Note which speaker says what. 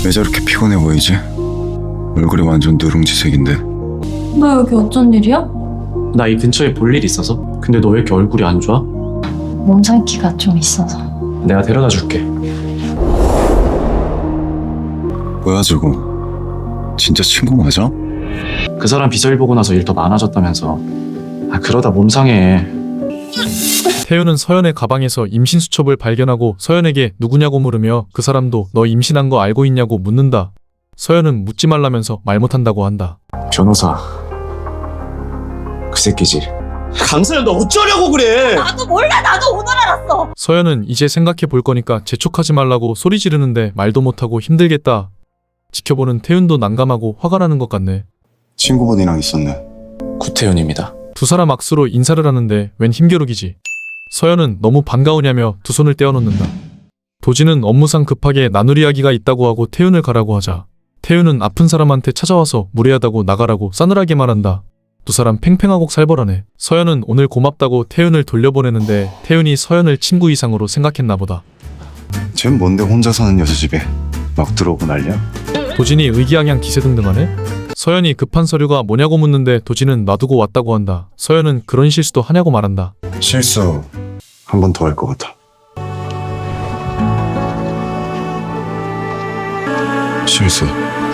Speaker 1: 왜 저렇게 피곤해 보이지? 얼굴이 완전 누룽지색인데.
Speaker 2: 너 여기 어쩐 일이야?
Speaker 3: 나 이 근처에 볼 일 있어서. 근데 너 왜 이렇게 얼굴이 안 좋아?
Speaker 2: 몸 상기가 좀 있어서.
Speaker 3: 내가 데려다 줄게.
Speaker 1: 뭐야 저거? 진짜 친구 맞아?
Speaker 3: 그 사람 비서일 보고 나서 일 더 많아졌다면서. 그러다 몸 상해.
Speaker 4: 태윤은 서연의 가방에서 임신 수첩을 발견하고 서연에게 누구냐고 물으며 그 사람도 너 임신한 거 알고 있냐고 묻는다. 서연은 묻지 말라면서 말 못한다고 한다.
Speaker 3: 변호사. 그 새끼지. 강서연 너 어쩌려고 그래?
Speaker 2: 나도 몰라. 나도 오늘 알았어.
Speaker 4: 서연은 이제 생각해 볼 거니까 재촉하지 말라고 소리 지르는데 말도 못하고 힘들겠다. 지켜보는 태윤도 난감하고 화가 나는 것 같네.
Speaker 1: 친구분이랑 있었네.
Speaker 3: 구태윤입니다.
Speaker 4: 두 사람 악수로 인사를 하는데 웬 힘겨루기지. 서연은 너무 반가우냐며 두 손을 떼어놓는다. 도진은 업무상 급하게 나눌 이야기가 있다고 하고 태윤을 가라고 하자 태윤은 아픈 사람한테 찾아와서 무례하다고 나가라고 싸늘하게 말한다. 두 사람 팽팽하고 살벌하네. 서연은 오늘 고맙다고 태윤을 돌려보내는데 태윤이 서연을 친구 이상으로 생각했나 보다.
Speaker 1: 쟨 뭔데 혼자 사는 여자 집에 막 들어오고 난리야?
Speaker 4: 도진이 의기양양 기세등등하네. 서연이 급한 서류가 뭐냐고 묻는데 도진은 놔두고 왔다고 한다. 서연은 그런 실수도 하냐고 말한다.
Speaker 1: 실수 한 번 더 할 것 같아. 실수